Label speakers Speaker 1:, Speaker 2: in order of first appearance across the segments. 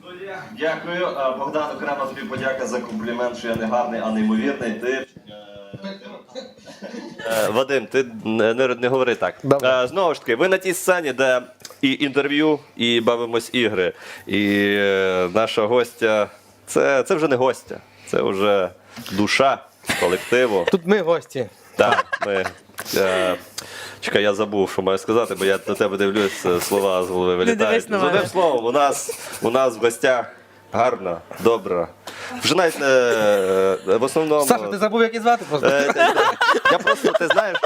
Speaker 1: Дякую. Богдан, окремо тобі подяка за комплімент, що я не гарний, а неймовірний. Ти... Вадим, ти не говори так. Знову ж таки, ви на тій сцені, де і інтерв'ю, і бавимось ігри. І наша гостя, це вже не гостя, це вже душа колективу.
Speaker 2: Тут ми гості.
Speaker 1: Так, ми... Чекай, я забув, що маю сказати, бо я на тебе дивлюсь, слова з голови вилітають. З одним словом, у нас в гостях гарна, добра. Вже навіть в основному...
Speaker 2: Саша, ти забув, як її звати просто?
Speaker 1: Я просто, ти знаєш,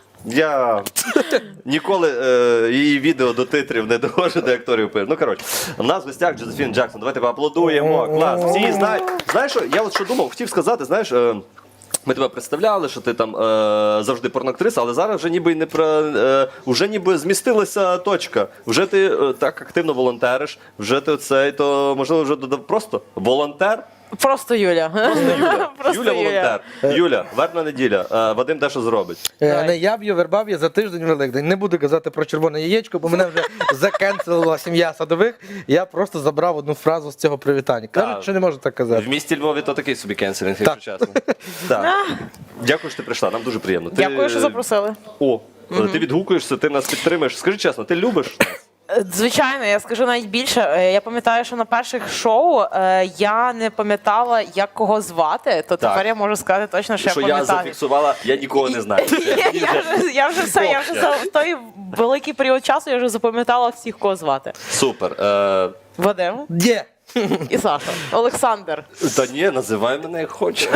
Speaker 1: я ніколи її відео до титрів не довожу, до акторів пишу. Ну, коротше, у нас в гостях Джозефін Джексон. Давайте поаплодуємо. Клас. Всі знають. Знаєш, що, я от що думав, хотів сказати, знаєш, ми тебе представляли, що ти там завжди порноактриса, але зараз вже ніби вже ніби змістилася точка. Вже ти так активно волонтериш, вже ти оцей, то можливо вже додав просто волонтер.
Speaker 3: Просто Юля.
Speaker 1: Юля волонтер. Юля, вербна неділя. Вадим дещо зробить.
Speaker 2: Не я б'ю, верба б'є за тиждень Великдень. Не буду казати про червоне яєчко, бо мене вже закенселила сім'я Садових. Я просто забрав одну фразу з цього привітання. Кажуть, що не можу так казати.
Speaker 1: В місті Львові то такий собі кенселінг, якщо чесно. Дякую, що ти прийшла, нам дуже приємно.
Speaker 3: Дякую, що запросили.
Speaker 1: О, ти відгукуєшся, ти нас підтримуєш. Скажи чесно, ти любиш нас?
Speaker 3: Звичайно, я скажу навіть більше. Я пам'ятаю, що на перших шоу я не пам'ятала, як кого звати, то тепер я можу сказати точно, що я пам'ятаю.
Speaker 1: Що я зафіксувала, я нікого не знаю.
Speaker 3: Я вже за той великий період часу я вже запам'ятала всіх, кого звати.
Speaker 1: Супер.
Speaker 3: Вадим
Speaker 2: Є!
Speaker 3: і Саша. Олександр.
Speaker 1: Та ні, називай мене як хочеш.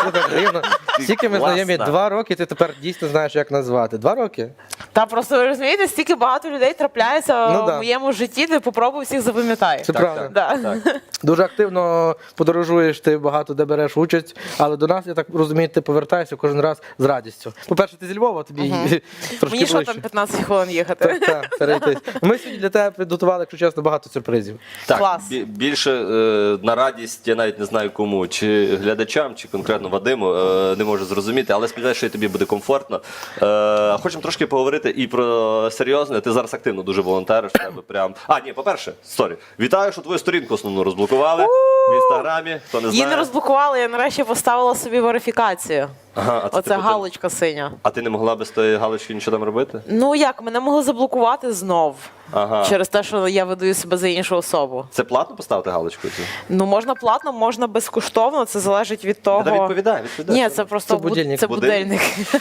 Speaker 2: Скільки ми знайомі? 2 роки, ти тепер дійсно знаєш, як назвати. 2 роки?
Speaker 3: Та просто ви розумієте, стільки багато людей трапляється в моєму житті, де попробуй всіх запам'ятаю.
Speaker 2: Це правда. Дуже активно подорожуєш, ти багато де береш участь, але до нас, я так розумію, ти повертаєшся кожен раз з радістю. По-перше, ти зі Львова, тобі трошки
Speaker 3: Мені що
Speaker 2: ближче.
Speaker 3: там 15 хвилин їхати?
Speaker 2: Так, перейтись. Ми сьогодні для тебе підготували, якщо чесно, багато сюрпризів.
Speaker 3: Клас.
Speaker 1: Більше на радість, я навіть не знаю кому, чи глядачам, чи конкретно Вадиму, не можу зрозуміти, але сподіваюся, що і тобі буде комфортно. Хочемо трошки поговорити і про серйозне. Ти зараз активно дуже волонтериш. По-перше, вітаю, що твою сторінку основну розблокували в Інстаграмі, хто не знає.
Speaker 3: Її не розблокували, я нарешті поставила собі верифікацію.
Speaker 1: Ага,
Speaker 3: оце галочка синя.
Speaker 1: А ти не могла без тої галочки нічого там робити?
Speaker 3: Ну як, мене могли заблокувати знов.
Speaker 1: Ага.
Speaker 3: Через те, що я видаю себе за іншу особу.
Speaker 1: Це платно поставити галочку?
Speaker 3: Ну можна платно, можна безкоштовно, це залежить від того.
Speaker 1: Та відповідай.
Speaker 3: Ні, це просто
Speaker 2: Це будильник.
Speaker 3: це будильник.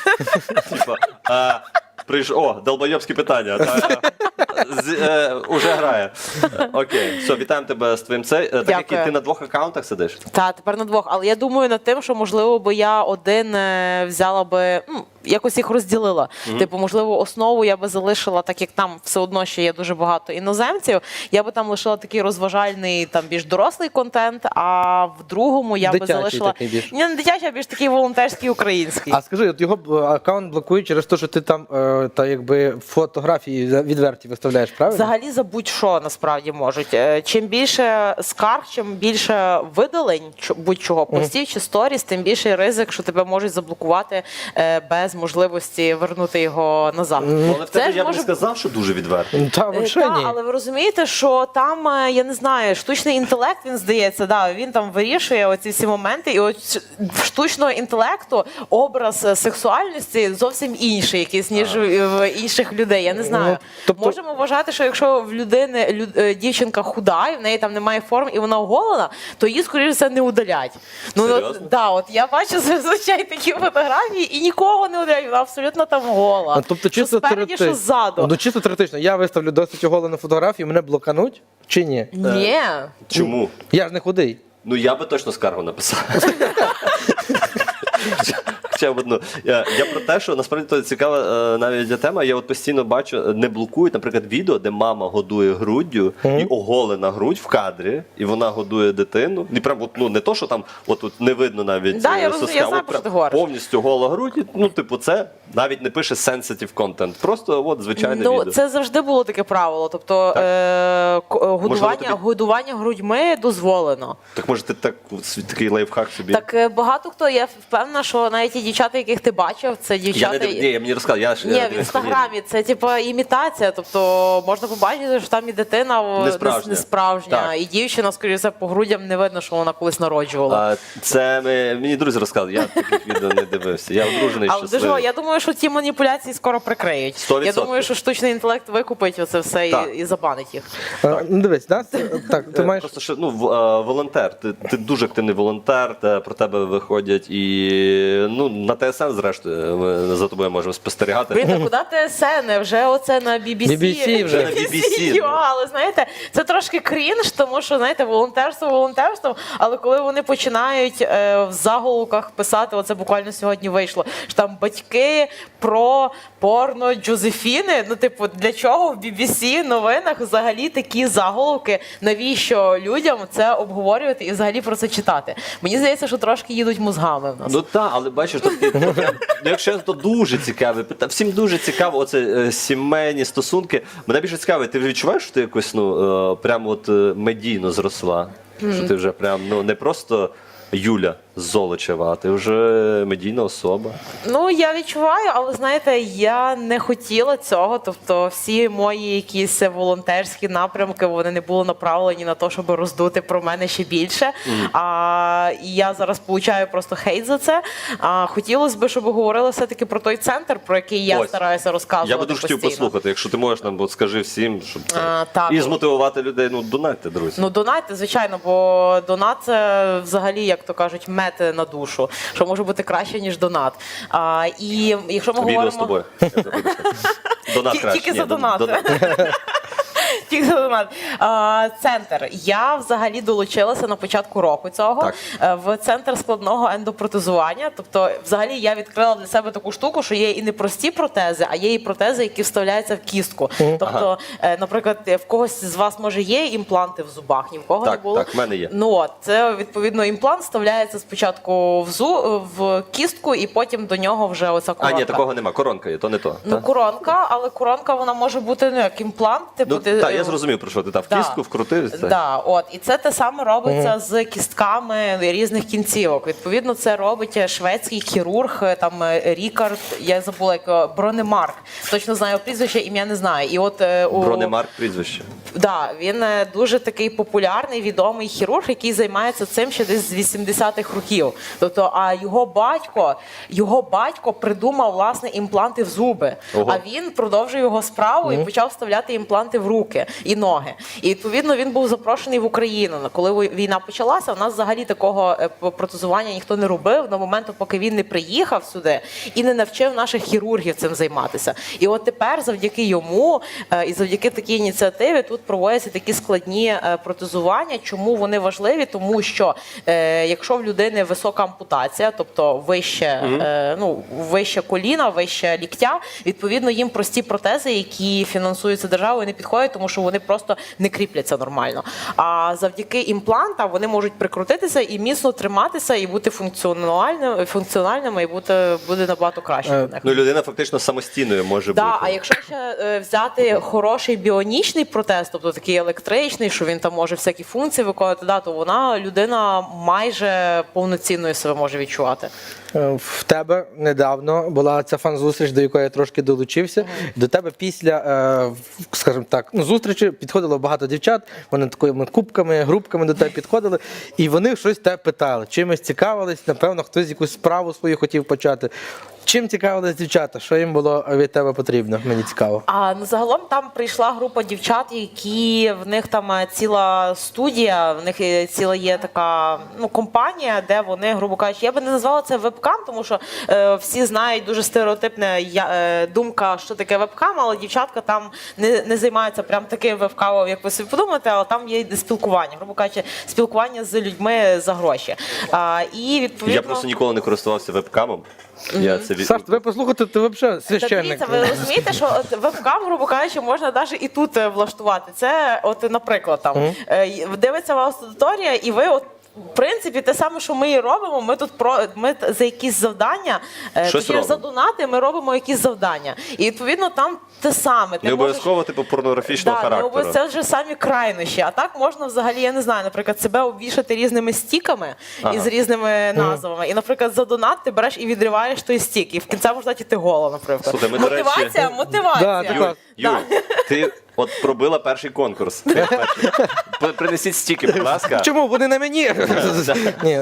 Speaker 1: Долбойобські питання. Уже грає. Окей, все, вітаємо тебе з твоїм цей. Так як ти на 2 аккаунтах сидиш?
Speaker 3: Так, тепер на 2. Але я думаю над тим, що можливо би я один взяла би, якось їх розділила. Типу, можливо, основу я би залишила, так як там все одно ще є дуже багато іноземців, я би там лишила такий розважальний, там більш дорослий контент, а в другому я би залишила... Не дитячий, а більш такий волонтерський український.
Speaker 2: А скажи, от його аккаунт блокують через те, що ти там фотографії відверті виставляєш, правильно?
Speaker 3: Взагалі за будь-що насправді можуть. Чим більше скарг, чим більше видалень будь-чого, постів чи сторіс, тим більший ризик, що тебе можуть заблокувати без можливості вернути його назад.
Speaker 1: Але в тебе я б не сказав, що дуже відверто.
Speaker 2: Та, взагалі ні.
Speaker 3: Але ви розумієте, що там, я не знаю, штучний інтелект, він здається, він там вирішує оці всі моменти, і от в штучного інтелекту образ сексуальності зовсім інший якийсь, ніж в інших людей. Я не знаю. Можемо вважати, що якщо в людини дівчинка худа, і в неї там немає форм, і вона оголена, то її, скоріше за не удалять. От я бачу зазвичай такі фотографії, і нікого не удаляють, вона абсолютно там гола.
Speaker 2: Тобто,
Speaker 3: що спереді, що ззаду.
Speaker 2: Ну, чисто теоретично. Я виставлю досить оголену фотографію, мене блокануть чи ні?
Speaker 3: Ні.
Speaker 1: Чому?
Speaker 2: Я ж не худий.
Speaker 1: Ну, я би точно скаргу написав. Я про те, що насправді це цікава навіть тема. Я от постійно бачу, не блокують, наприклад, відео, де мама годує груддю і оголена грудь в кадрі, і вона годує дитину. І прям не то, що там от не видно навіть соска, повністю гола грудь. Ну, типу, це навіть не пише sensitive content. Просто от звичайне відео.
Speaker 3: Це завжди було таке правило. Тобто годування грудьми дозволено.
Speaker 1: Так може ти такий лайфхак собі?
Speaker 3: Так багато хто, я впевнена, що навіть і дівчата, яких ти бачив, це
Speaker 1: Я
Speaker 3: дівчата.
Speaker 1: не ні, я мені розказав.
Speaker 3: Ні, в інстаграмі це типу імітація, тобто можна побачити, що там і дитина не справжня,
Speaker 1: Так.
Speaker 3: і дівчина, скоріше, по грудям не видно, що вона колись народжувала.
Speaker 1: Це мені друзі розказали, я таких відео не дивився. Я одружений,
Speaker 3: Але дуже,
Speaker 1: щасливий.
Speaker 3: я думаю, що ті маніпуляції скоро прикриють.
Speaker 1: 100%.
Speaker 3: Я думаю, що штучний інтелект викупить оце все
Speaker 1: Так.
Speaker 3: і забанить їх.
Speaker 2: Ну, дивись, нас, так, ти маєш...
Speaker 1: Просто що волонтер. Ти дуже активний волонтер, про тебе виходять і на ТСН, зрештою, ми за тобою можемо спостерігати.
Speaker 3: Блін, та куди ТСН? Вже оце на BBC.
Speaker 2: BBC вже.
Speaker 1: На BBC,
Speaker 3: Але знаєте, це трошки крінж, тому що, знаєте, волонтерством, але коли вони починають в заголовках писати, оце буквально сьогодні вийшло, що там батьки про порно Джозефіни, типу, для чого в BBC новинах взагалі такі заголовки, навіщо людям це обговорювати і взагалі про це читати? Мені здається, що трошки їдуть мозгами в нас.
Speaker 1: Ну так, але бачиш, якщо то дуже цікаве, всім дуже цікаво, оце сімейні стосунки. Мене більше цікавить, ти вже відчуваєш, що ти якось прямо от медійно зросла? Що ти вже прям не просто Юля Золочева, а ти вже медійна особа.
Speaker 3: Ну, я відчуваю, але знаєте, я не хотіла цього. Тобто всі мої якісь волонтерські напрямки, вони не були направлені на те, щоб роздути про мене ще більше. І я зараз получаю просто хейт за це. Хотілося б, щоб говорили все-таки про той центр, про який я стараюся розказувати.
Speaker 1: Я би дуже хотів послухати, якщо ти можеш нам, скажи всім, щоб і змотивувати людей. Донатьте, друзі.
Speaker 3: Донатьте, звичайно, бо донат це взагалі, як то кажуть, мед на душу, що може бути краще, ніж донат. І якщо ми
Speaker 1: Відео
Speaker 3: говоримо...
Speaker 1: з тобою. Донат краще.
Speaker 3: Тільки за донат. Тільки за донат. Центр. Я взагалі долучилася на початку року цього в центр складного ендопротезування. Тобто, взагалі, я відкрила для себе таку штуку, що є і не прості протези, а є і протези, які вставляються в кістку. Тобто, наприклад, в когось з вас, може, є імпланти в зубах, ні в кого не було.
Speaker 1: Так, в мене є.
Speaker 3: Це, відповідно, імплант вставляється спочатку в кістку, і потім до нього вже оця коронка.
Speaker 1: Ні, такого нема. Коронка є, то не то.
Speaker 3: Коронка, але коронка, вона може бути, як імплант.
Speaker 1: Так, я зрозумів, про що ти. В кістку вкрутив.
Speaker 3: І це те саме робиться з кістками різних кінцівок. Відповідно, це робить шведський хірург, там Рікард, я забула, як Бронемарк. Точно знаю прізвище, ім'я не знаю. І от
Speaker 1: Бронемарк прізвище.
Speaker 3: Він дуже такий популярний, відомий хірург, який займається цим ще десь з 80-х років. Тобто, а його батько придумав, власне, імпланти в зуби.
Speaker 1: Ого.
Speaker 3: А він продовжив його справу і почав вставляти імпланти в руки і ноги. І, відповідно, він був запрошений в Україну. Коли війна почалася, у нас взагалі такого протезування ніхто не робив до моменту, поки він не приїхав сюди і не навчив наших хірургів цим займатися. І от тепер, завдяки йому і завдяки такій ініціативі, тут проводяться такі складні протезування. Чому вони важливі? Тому що якщо в людини висока ампутація, тобто вище коліна, вище ліктя, відповідно, їм прості протези, які фінансуються державою, не підходять, тому що вони просто не кріпляться нормально. А завдяки імплантам вони можуть прикрутитися і міцно триматися, і бути функціональними, і буде набагато краще для них.
Speaker 1: Людина фактично самостійною може бути.
Speaker 3: А якщо ще взяти хороший біонічний протез, тобто такий електричний, що він там може всякі функції виконувати, то людина майже повноцінною себе може відчувати.
Speaker 2: В тебе недавно була ця фан-зустріч, до якої я трошки долучився. До тебе після, скажімо так, зустрічі підходило багато дівчат, вони такими кубками, групками до тебе підходили, і вони щось тебе питали, чимось цікавились, напевно, хтось якусь справу свою хотів почати. Чим цікавились дівчата? Що їм було від тебе потрібно? Мені цікаво.
Speaker 3: Загалом там прийшла група дівчат, які в них там ціла студія, в них ціла є така компанія, де вони, грубо кажучи, я би не назвала це вебкам, тому що всі знають дуже стереотипна думка, що таке вебкам, але дівчатка там не займаються прям таким вебкамом, як ви собі подумаєте, але там є спілкування, грубо кажучи, спілкування з людьми за гроші. І відповідно...
Speaker 1: Я просто ніколи не користувався вебкамом.
Speaker 2: Саш, тебе послухати, ти взагалі священник.
Speaker 3: Дивіться, ви розумієте, що вебкам, грубо кажучи, можна навіть і тут влаштувати. Це, наприклад, там дивиться вас аудиторія, і ви в принципі, те саме, що ми і робимо, ми за якісь завдання,
Speaker 1: Щось
Speaker 3: точніше,
Speaker 1: робимо.
Speaker 3: за донати ми робимо якісь завдання. І, відповідно, там те саме.
Speaker 1: Не обов'язково, типу, порнографічного характеру.
Speaker 3: Це вже самі крайнощі. А так можна взагалі, я не знаю, наприклад, себе обвішати різними стіками із різними назвами. І, наприклад, за донат ти береш і відриваєш той стік. І в кінці можна дати голо, наприклад.
Speaker 1: Слухай, ми, до речі-
Speaker 3: Мотивація.
Speaker 2: Да,
Speaker 1: Юль,
Speaker 3: Да.
Speaker 1: ти от пробила перший конкурс. Принесіть стіки, будь ласка.
Speaker 2: Чому? Вони на мені. Ні,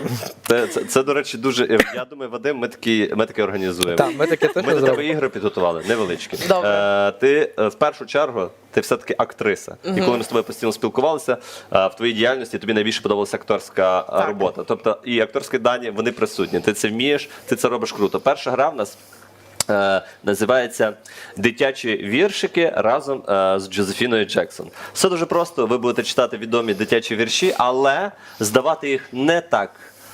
Speaker 1: Це, до речі, дуже. Я думаю, Вадим, ми такі організуємо.
Speaker 2: так, ми таке
Speaker 1: Ми
Speaker 2: теж
Speaker 1: до тебе
Speaker 2: зробимо.
Speaker 1: ігри підготували, невеличкі.
Speaker 3: Добре.
Speaker 1: Ти в першу чергу, ти все-таки актриса. І коли ми з тобою постійно спілкувалися, в твоїй діяльності тобі найбільше подобалася акторська робота. Тобто і акторські дані вони присутні. Ти це вмієш, ти це робиш круто. Перша гра в нас. Називається «Дитячі віршики» разом з Джозефіною Джексон. Все дуже просто, ви будете читати відомі дитячі вірші, але здавати їх не так,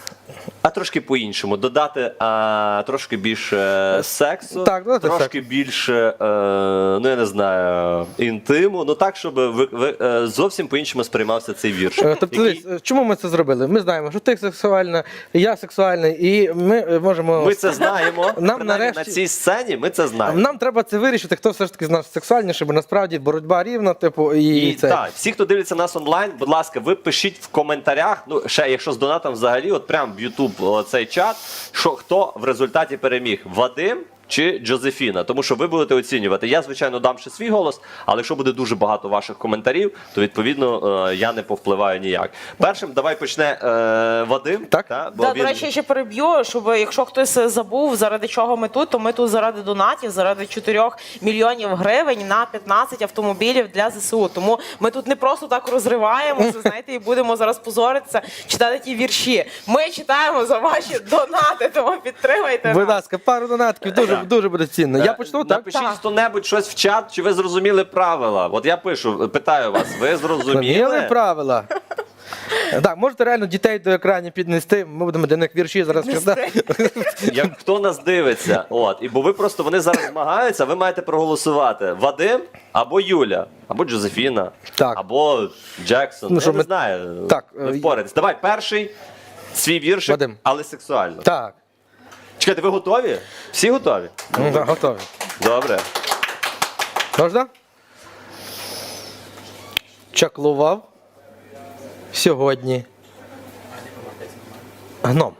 Speaker 1: а трошки по-іншому. Додати трошки більше сексу,
Speaker 2: Так, додати
Speaker 1: трошки більше, ну я не знаю, інтиму, ну так, щоб зовсім по-іншому сприймався цей вірш.
Speaker 2: Тобто,
Speaker 1: який-
Speaker 2: дивись, чому ми це зробили? Ми знаємо, що ти сексуальна, я сексуальний, і ми можемо.
Speaker 1: Ми це знаємо,
Speaker 2: Нам
Speaker 1: принаймні
Speaker 2: нарешті-
Speaker 1: на цій сцені ми це знаємо.
Speaker 2: Нам треба це вирішити, хто все ж таки з нас сексуальніше, бо насправді боротьба рівна, типу, і це.
Speaker 1: Так, всі, хто дивиться нас онлайн, будь ласка, ви пишіть в коментарях, ну ще якщо з донатом взагалі, от прям в YouTube цей чат, що хто в результаті переміг, Вадим чи Джозефіна, тому що ви будете оцінювати. Я, звичайно, дам ще свій голос, але якщо буде дуже багато ваших коментарів, то відповідно я не повпливаю ніяк. Першим давай почне Вадим.
Speaker 2: Так.
Speaker 1: Бо
Speaker 3: Да,
Speaker 1: він...
Speaker 3: До речі, я ще переб'ю, щоб якщо хтось забув, заради чого ми тут, то ми тут заради донатів, заради 4 мільйонів гривень на 15 автомобілів для ЗСУ. Тому ми тут не просто так розриваємося, знаєте, і будемо зараз позоритися, читати ті вірші. Ми читаємо за ваші донати, тому підтримайте
Speaker 2: Будь
Speaker 3: нас.
Speaker 2: ласка, пару донатків, дуже буде цінно. Я почну, так?
Speaker 1: Напишіть
Speaker 3: Так.
Speaker 1: хто-небудь щось в чат, чи ви зрозуміли правила. От я пишу, питаю вас, ви
Speaker 2: Зрозуміли
Speaker 1: зрозуміли?
Speaker 2: правила. Так, можете реально дітей до екранів піднести, ми будемо для них вірші зараз читати.
Speaker 1: Як хто нас дивиться, бо ви просто вони зараз змагаються, ви маєте проголосувати. Вадим або Юля, або Джозефіна,
Speaker 2: Так.
Speaker 1: або Джексон.
Speaker 2: Ну, що
Speaker 1: Я не
Speaker 2: ми-
Speaker 1: знаю.
Speaker 2: Так,
Speaker 1: Ви впораєтесь. Давай, перший свій віршик,
Speaker 2: Вадим.
Speaker 1: але сексуально.
Speaker 2: Так,
Speaker 1: Чекайте, ви готові? Всі готові?
Speaker 2: так, готові.
Speaker 1: Добре.
Speaker 2: Можна? Чаклував сьогодні гном.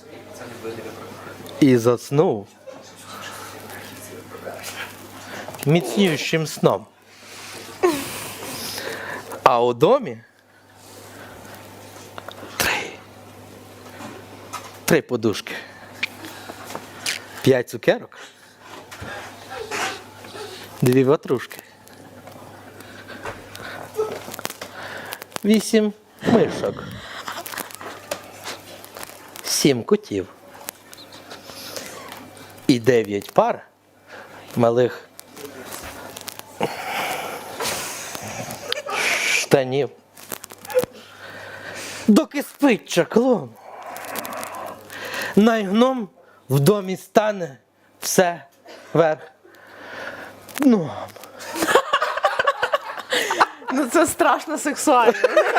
Speaker 2: І заснув міцнющим сном. А у домі три подушки, 5 цукерок, 2 ватрушки, 8 мишок, 7 котів і 9 пар малих штанів. Доки спить чаклун, найгном в домі стане все вверх. Ну,
Speaker 3: Ну це страшно сексуально.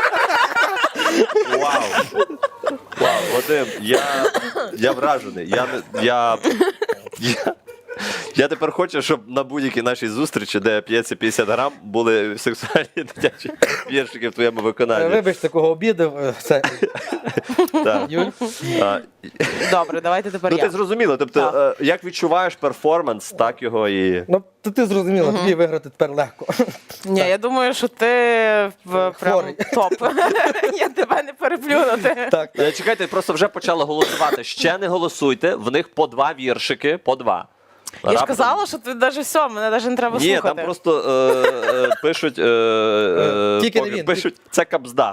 Speaker 1: Вау! Вау, Вадим, я вражений. Я тепер хочу, щоб на будь-якій нашій зустрічі, де п'ється 50 грам, були сексуальні дитячі віршики в твоєму виконанні.
Speaker 2: вибачте, кого обідав. Це
Speaker 1: Так.
Speaker 2: Юль.
Speaker 1: А,
Speaker 3: Добре, давайте тепер
Speaker 1: Ну
Speaker 3: я.
Speaker 1: ти зрозуміла, тобто, як відчуваєш перформанс, так його і.
Speaker 2: Ну, то ти зрозуміла, тобі виграти тепер легко.
Speaker 3: Ні, я думаю, що ти прям
Speaker 2: Хворий.
Speaker 3: топ. Я тебе не переплюнути.
Speaker 2: Так.
Speaker 1: Чекайте, просто вже почали голосувати. Ще не голосуйте, в них по 2 віршики, по 2.
Speaker 3: Я ж
Speaker 1: Раптом-
Speaker 3: казала, що ти навіть все, мене навіть не треба
Speaker 1: Ні,
Speaker 3: слухати.
Speaker 1: там просто пишуть,
Speaker 2: Тільки не він.
Speaker 1: пишуть, це кабзда.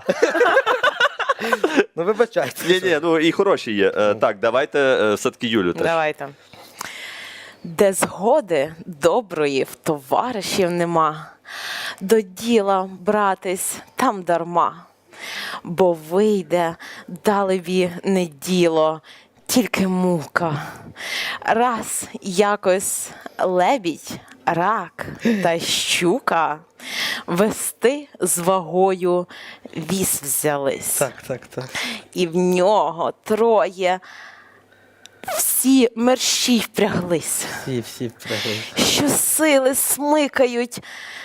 Speaker 2: Ну вибачайте.
Speaker 1: Ні, ну і хороші є. Так, давайте все-таки Юлю теж.
Speaker 3: Давайте. Де згоди доброї в товаришів нема, до діла братись там дарма, бо вийде далебі не діло, тільки мука. Раз якось лебідь, рак та щука Вести з вагою віз взялись.
Speaker 2: Так.
Speaker 3: І в нього троє всі мерщій впряглись,
Speaker 2: Всі впрягли.
Speaker 3: що сили смикають,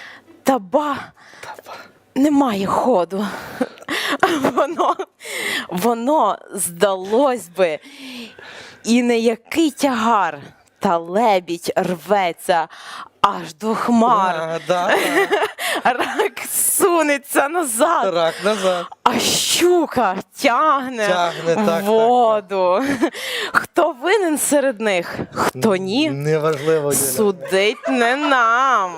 Speaker 3: немає ходу. Воно здалось би, і не який тягар, та лебідь рветься аж до хмар. Рак сунеться назад,
Speaker 2: Рак назад.
Speaker 3: а щука тягне
Speaker 2: так,
Speaker 3: воду. Хто винен серед них, хто ні,
Speaker 2: Неважливо, Юля.
Speaker 3: судить не нам.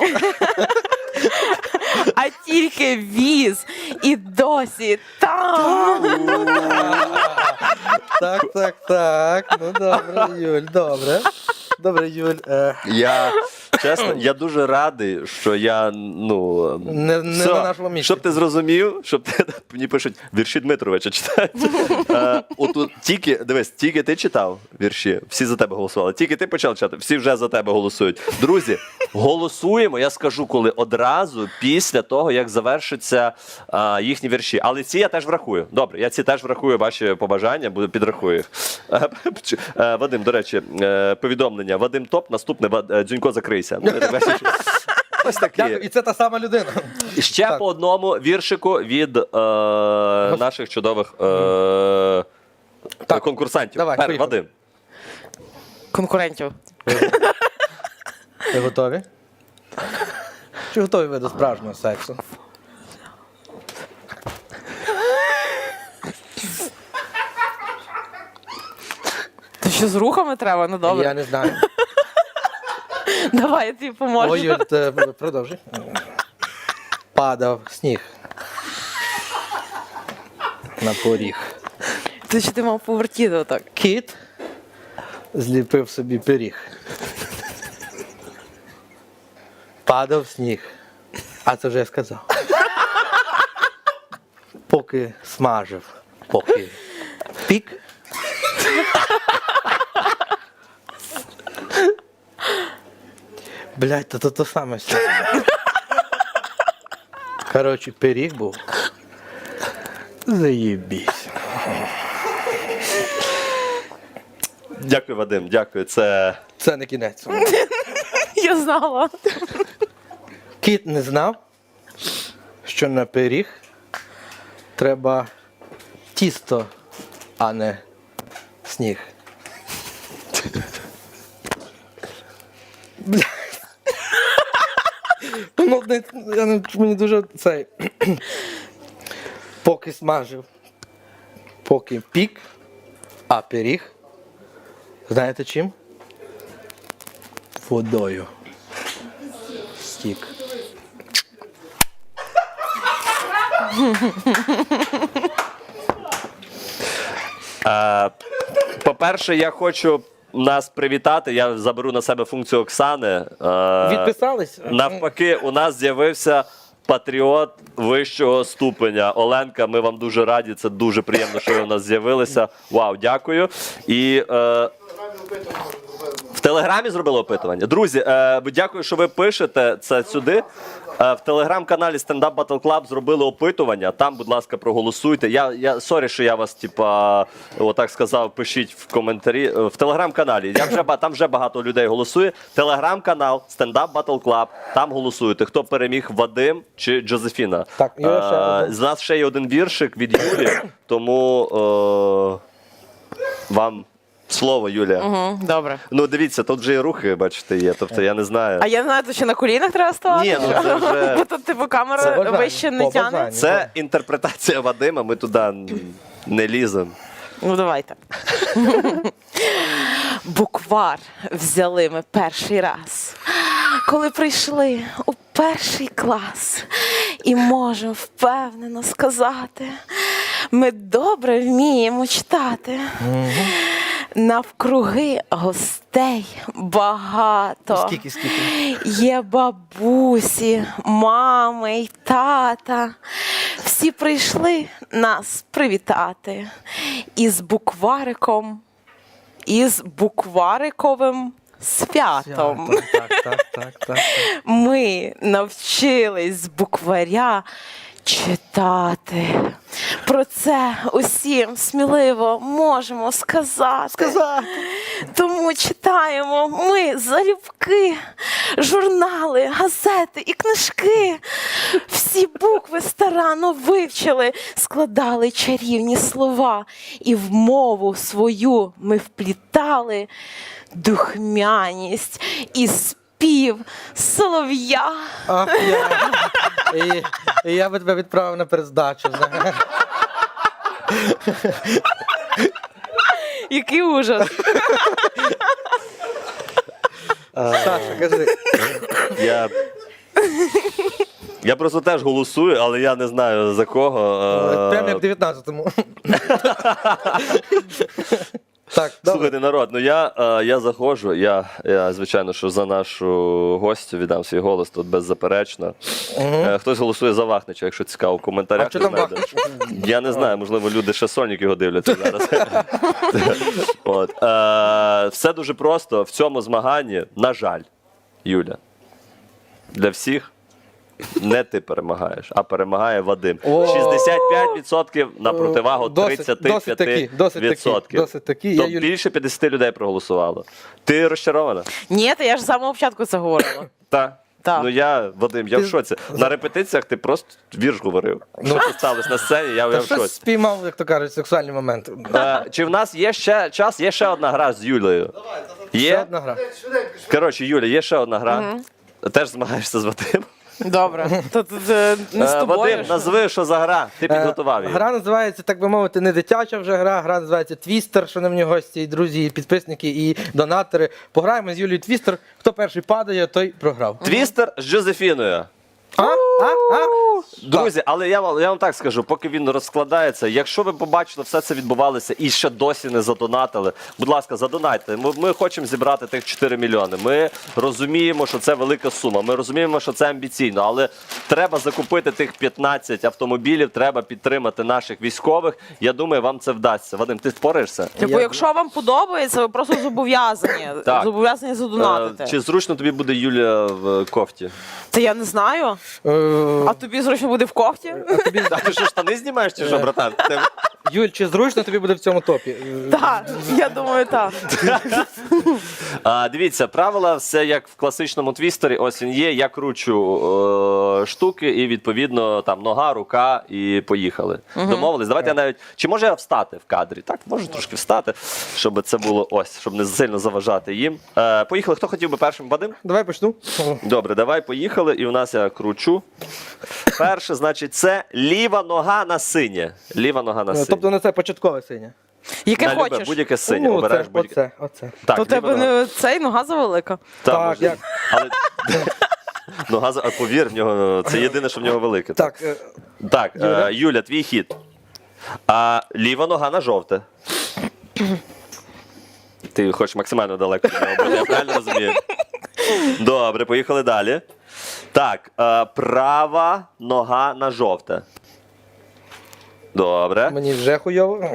Speaker 3: А тільки віз і досі там.
Speaker 2: Так. Ну добре, Юль, добре. Добре, Юль.
Speaker 1: Я, чесно, я дуже радий, що я,
Speaker 2: Не
Speaker 1: все,
Speaker 2: на нашому місці.
Speaker 1: Щоб ти зрозумів, мені пишуть, вірші Дмитровича читають. Отут тільки ти читав вірші, всі за тебе голосували. Тільки ти почав читати, всі вже за тебе голосують. Друзі, голосуємо, я скажу, коли одразу після того, як завершаться їхні вірші. Але ці я теж врахую. Добре, я ці теж врахую, ваші побажання, підрахую їх. Вадим, до речі, повідомлення. Вадим топ, наступне Дзюнько закрийся. Ось такі.
Speaker 2: Дякую, і це та сама людина.
Speaker 1: І ще по одному віршику від наших чудових конкурсантів.
Speaker 2: Давай, поїхали.
Speaker 1: Вадим.
Speaker 3: Конкурентів.
Speaker 2: Ви готові? Чи готові ви до справжнього сексу?
Speaker 3: То що з рухами треба? Ну добре.
Speaker 2: Я не знаю.
Speaker 3: Давай, я тобі поможу.
Speaker 2: Ой, Юль, продовжуй. Падав сніг на поріг.
Speaker 3: Ти що ти мав повертіти отак?
Speaker 2: Кіт зліпив собі пиріг. Падав сніг. А це вже я сказав. Поки смажив, поки пік. Блядь, то саме все. Коротше, пиріг був. Заєбісь.
Speaker 1: Дякую, Вадим, дякую. Це
Speaker 2: Це не кінець.
Speaker 3: Я знала.
Speaker 2: Кіт не знав, що на пиріг треба тісто, а не сніг. Бля. Ну, мені дуже цей. Поки смажив, поки пік, а пиріг. Знаєте чим? Водою. Стік.
Speaker 1: По-перше, я хочу нас привітати. Я заберу на себе функцію Оксани.
Speaker 2: Відписались?
Speaker 1: Навпаки, у нас з'явився патріот вищого ступеня. Оленка, ми вам дуже раді. Це дуже приємно, що ви у нас з'явилися. Вау, дякую. І в Телеграмі зробили опитування. Друзі, дякую, що ви пишете це сюди. В телеграм-каналі Stand Up Battle Club зробили опитування. Там, будь ласка, проголосуйте. Я сорі, що я вас, отак сказав, пишіть в коментарі. В телеграм-каналі. Там вже багато людей голосує. Телеграм-канал Stand Up Battle Club. Там голосуєте. Хто переміг, Вадим чи Джозефіна?
Speaker 2: Так, Юля,
Speaker 1: з нас ще є один віршик від Юлі, тому вам слово, Юля.
Speaker 3: Угу, добре.
Speaker 1: Ну, дивіться, тут вже і рухи, бачите, є. Тобто, я не знаю.
Speaker 3: А я знаю, то що на колінах треба ставати?
Speaker 1: Ні, ну це вже...
Speaker 3: Бо тут, типу, камера
Speaker 2: Це бажання,
Speaker 3: вище не
Speaker 2: по
Speaker 3: тягне.
Speaker 2: бажанню.
Speaker 1: Це інтерпретація Вадима, ми туди не ліземо.
Speaker 3: Ну, давайте. Буквар взяли ми перший раз, коли прийшли у перший клас. І можемо впевнено сказати, ми добре вміємо читати. Навкруги гостей багато.
Speaker 2: Скільки?
Speaker 3: Є бабусі, мами й тата. Всі прийшли нас привітати. Із буквариковим святом.
Speaker 2: Так.
Speaker 3: Ми навчились з букваря читати. Про це усім сміливо можемо сказати. Тому читаємо ми залюбки, журнали, газети і книжки. Всі букви старанно вивчили, складали чарівні слова. І в мову свою ми вплітали духмяність і спів солов'я.
Speaker 2: Ах, і я би тебе відправив на перездачу. знаєш.
Speaker 3: Який ужас.
Speaker 2: Саша, кажи.
Speaker 1: Я просто теж голосую, але я не знаю за кого.
Speaker 2: Прямо як в 19-му. Так, добре.
Speaker 1: Слухайте, народ, ну я заходжу, я, звичайно, що за нашу гостю віддам свій голос тут беззаперечно. Хтось голосує за Вахнича, якщо цікаво, в коментарях.
Speaker 2: А що там
Speaker 1: ви знайдете. Я не знаю, можливо, люди ще Сольник його дивляться зараз. От. Все дуже просто. В цьому змаганні, на жаль, Юля, для всіх не ти перемагаєш, а перемагає Вадим. 65% на противагу 35%.
Speaker 2: Досить таки.
Speaker 1: Тобто більше 50 людей проголосувало. Ти розчарована?
Speaker 3: Ні, та я ж з самого початку це говорила.
Speaker 1: Так.
Speaker 3: Так.
Speaker 1: Ну Вадим, я в шоці. На репетиціях ти просто вірш говорив. Що тут сталося на сцені, я в
Speaker 2: Щось
Speaker 1: шоці.
Speaker 2: спіймав, як то кажуть, сексуальний момент.
Speaker 1: Чи в нас є ще час? Є ще одна гра з Юлею.
Speaker 2: Ще
Speaker 1: Є?
Speaker 2: одна гра.
Speaker 1: Коротше, Юля, є ще одна гра. Теж змагаєшся з Вадимом.
Speaker 3: Добре. То тут не з тобою.
Speaker 1: Вадим, назви, що за гра. Ти підготував її.
Speaker 2: Гра називається, так би мовити, не дитяча вже гра. Гра називається Твістер, що на мені гості, і друзі, і підписники, і донатори. Пограємо з Юлією Твістер. Хто перший падає, той програв.
Speaker 1: Твістер з Джозефіною. Друзі, але я вам так скажу, поки він розкладається, якщо ви побачили, все це відбувалося і ще досі не задонатили, будь ласка, задонайте. Ми хочемо зібрати тих 4 мільйони. Ми розуміємо, що це велика сума, ми розуміємо, що це амбіційно, але треба закупити тих 15 автомобілів, треба підтримати наших військових. Я думаю, вам це вдасться. Вадим, ти впораєшся?
Speaker 3: Типу, якщо вам подобається, ви просто зобов'язані.
Speaker 1: Так.
Speaker 3: Зобов'язані задонатити.
Speaker 1: Чи зручно тобі буде Юля в кофті?
Speaker 3: Та я не знаю. А тобі зручно буде в кофті?
Speaker 1: А ти що, штани знімаєш чи що, братан?
Speaker 2: Юль, чи зручно тобі буде в цьому топі?
Speaker 3: Так, я думаю, так.
Speaker 1: Дивіться, правила все як в класичному твістері. Ось він є. Я кручу штуки і відповідно там нога, рука і поїхали. Домовились. Давайте я навіть. Чи може я встати в кадрі? Так, можу трошки встати, щоб це було ось, щоб не сильно заважати їм. Поїхали. Хто хотів би першим? Вадим?
Speaker 2: Давай почну.
Speaker 1: Добре, давай поїхали. І у нас я кручу. Перше, значить, це ліва нога на синє. Ліва нога на синє.
Speaker 2: Тобто на це початкове синя.
Speaker 3: Яке
Speaker 1: На любе,
Speaker 3: хочеш.
Speaker 1: будь-яке синє. Обираєш будь-яке.
Speaker 2: Оце.
Speaker 1: Так,
Speaker 3: То
Speaker 1: ліва
Speaker 3: тебе
Speaker 1: нога.
Speaker 3: не цей нога завелика.
Speaker 1: Так,
Speaker 2: Так, як?
Speaker 1: Але... Нога, повір, в нього, це єдине, що в нього велике.
Speaker 2: Так,
Speaker 1: Так,
Speaker 2: Юля?
Speaker 1: Юля, твій хід. Ліва нога на жовте. Ти хочеш максимально далеко від нього бути, я правильно розумію? Добре, поїхали далі. Так, права нога на жовте. Добре.
Speaker 2: мені вже хуйово.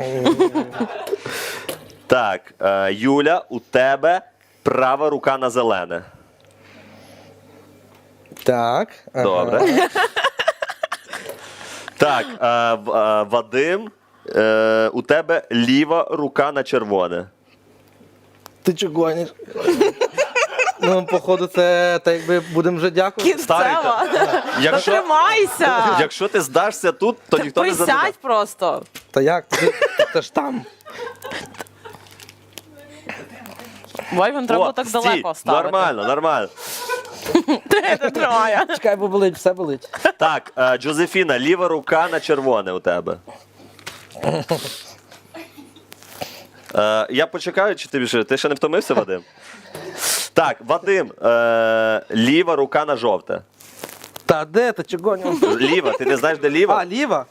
Speaker 1: Так, Юля, у тебе права рука на зелене.
Speaker 2: Так. ага.
Speaker 1: Добре. Так, Вадим, у тебе ліва рука на червоне.
Speaker 2: Ти чого гониш? Ну, походу, це так якби будемо вже дякувати.
Speaker 3: Кінцева.
Speaker 1: Якщо,
Speaker 3: Тримайся.
Speaker 1: якщо ти здашся тут, то ніхто не задає.
Speaker 3: Присядь просто.
Speaker 2: Та як? Це ж там.
Speaker 3: Вайвен, треба так далеко ставити.
Speaker 1: Нормально, нормально.
Speaker 3: Ти тримає.
Speaker 2: Чекай, бо болить, все болить.
Speaker 1: Так, Джозефіна, ліва рука на червоне у тебе. Я почекаю, чи ти ще не втомився, Вадим? Так, Вадим, ліва рука на жовте.
Speaker 2: Та де ти чого гониш?
Speaker 1: Ліва, ти не знаєш, де ліва?
Speaker 2: А, ліва?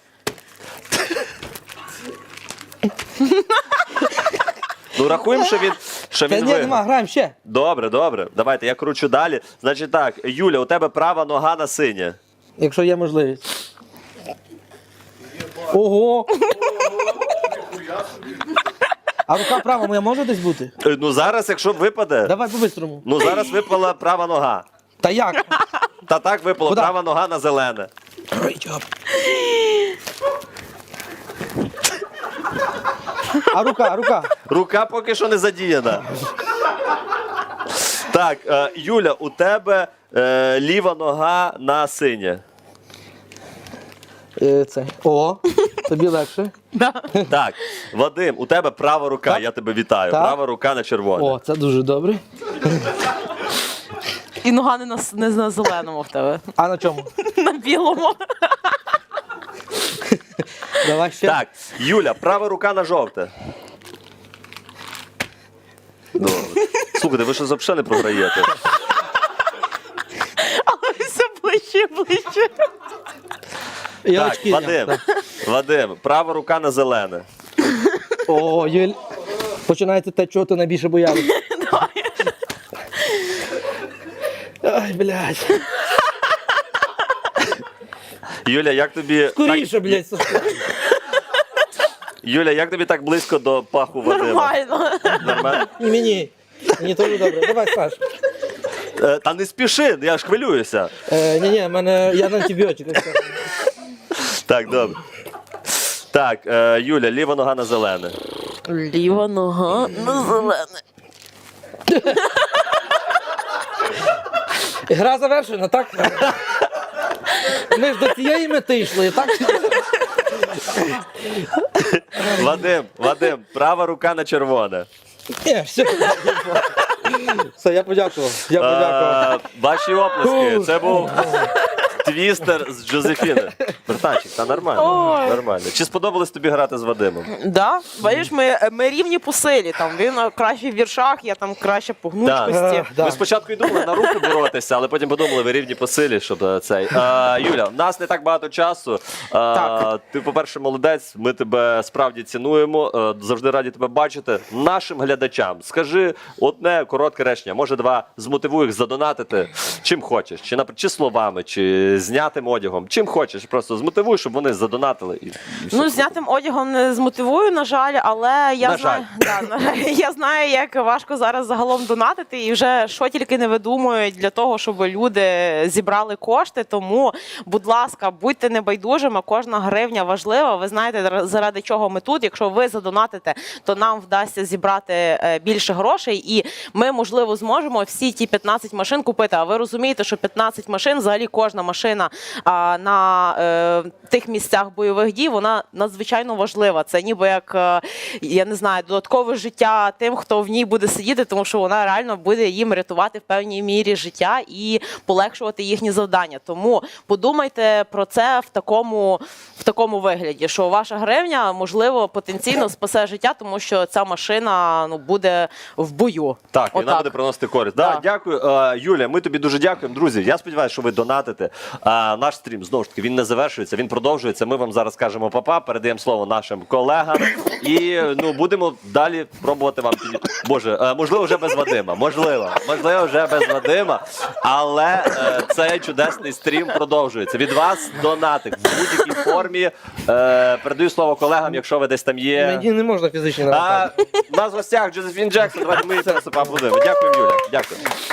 Speaker 1: Ну рахуємо, що він
Speaker 2: Та ні,
Speaker 1: виграв.
Speaker 2: нема, граємо ще.
Speaker 1: Добре, добре. Давайте, я кручу далі. Значить так, Юля, у тебе права нога на синє.
Speaker 2: Якщо є можливість. Ого! А рука права моя може десь бути?
Speaker 1: Ну зараз, якщо випаде,
Speaker 2: Давай по-бистрому.
Speaker 1: ну зараз випала права нога.
Speaker 2: Та як?
Speaker 1: Та так випала
Speaker 2: Куда?
Speaker 1: права нога на зелене.
Speaker 2: А рука?
Speaker 1: Рука поки що не задіяна. Так, Юля, у тебе ліва нога на синє.
Speaker 2: Це. О, тобі легше.
Speaker 1: Так, Вадим, у тебе права рука,
Speaker 2: Так.
Speaker 1: я тебе вітаю.
Speaker 2: Так.
Speaker 1: Права рука на червоне.
Speaker 2: О, це дуже добре.
Speaker 3: І нога не на зеленому в тебе,
Speaker 2: А на чому?
Speaker 3: на білому.
Speaker 2: Давай ще.
Speaker 1: Так, Юля, права рука на жовте. Добре. Слухайте, ви що взагалі не програєте?
Speaker 3: Але все ближче і ближче.
Speaker 2: І
Speaker 1: Так,
Speaker 2: очки.
Speaker 1: Вадим,
Speaker 2: Так.
Speaker 1: Вадим, права рука на зелене.
Speaker 2: О, Юль, починається те, чого ти найбільше боялися. Ай, блядь.
Speaker 1: Юля, як тобі
Speaker 2: Скоріше, блядь, Сашко.
Speaker 1: Юля, як тобі так близько до паху Вадима?
Speaker 3: Нормально.
Speaker 1: Нормально?
Speaker 2: І мені. Мені теж добре. Давай, Саш.
Speaker 1: Та не спіши, я ж хвилююся.
Speaker 2: Ні, я на антибіотиках.
Speaker 1: Так, добре. Так, Юля, ліва нога на зелене.
Speaker 3: Ліва нога на зелене.
Speaker 2: Гра завершена, так? Ми ж до цієї мети йшли, так?
Speaker 1: Вадим, права рука на червоне.
Speaker 2: Ні, все. Все, я подякував. Я подякував.
Speaker 1: Ваші оплески. Це був твістер з Джозефіни. Братанчик, та нормально.
Speaker 3: Ой.
Speaker 1: Нормально. Чи сподобалось тобі грати з Вадимом?
Speaker 3: Да, бачиш, ми рівні по силі. Там він краще в віршах, я там краще по гнучкості.
Speaker 2: Да.
Speaker 1: Ми спочатку і думали на руки боротися, але потім подумали, ви рівні по силі, щоб цей. Юля, в нас не так багато часу.
Speaker 3: Так.
Speaker 1: Ти, по-перше, молодець, ми тебе справді цінуємо. Завжди раді тебе бачити. Нашим глядачам скажи одне коротке речення, може два, змотивуй їх задонатити чим хочеш. Чи словами, чи знятим одягом. Чим хочеш, просто змотивуй, щоб вони задонатили. І
Speaker 3: Ну,
Speaker 1: все.
Speaker 3: знятим одягом не змотивую, на жаль, але я
Speaker 1: На
Speaker 3: знаю, я знаю, як важко зараз загалом донатити, і вже що тільки не видумують для того, щоб люди зібрали кошти. Тому, будь ласка, будьте небайдужими, кожна гривня важлива. Ви знаєте, заради чого ми тут. Якщо ви задонатите, то нам вдасться зібрати більше грошей, і ми, можливо, зможемо всі ті 15 машин купити. А ви розумієте, що 15 машин, взагалі кожна машина на тих місцях бойових дій, вона надзвичайно важлива. Це ніби як, я не знаю, додаткове життя тим, хто в ній буде сидіти, тому що вона реально буде їм рятувати в певній мірі життя і полегшувати їхні завдання. Тому подумайте про це в такому вигляді, що ваша гривня, можливо, потенційно спасе життя, тому що ця машина буде в бою.
Speaker 1: Так, і вона
Speaker 3: Отак.
Speaker 1: буде приносити користь. Да,
Speaker 3: Так.
Speaker 1: дякую. Юля, ми тобі дуже дякуємо. Друзі, я сподіваюся, що ви донатите. Наш стрім, знову ж таки, він не завершується, він продовжується. Ми вам зараз кажемо па-па, передаємо слово нашим колегам. І будемо далі пробувати вам. Боже, можливо, вже без Вадима. Можливо, вже без Вадима. Але цей чудесний стрім продовжується. Від вас донатик в будь-якій формі. Передаю слово колегам, якщо ви десь там є.
Speaker 2: Мені не можна фізично навантажити.
Speaker 1: У нас в гостях Джозефін Джексон. Давайте ми її зараз поаплодуємо. Дякую, Юля. Дякую.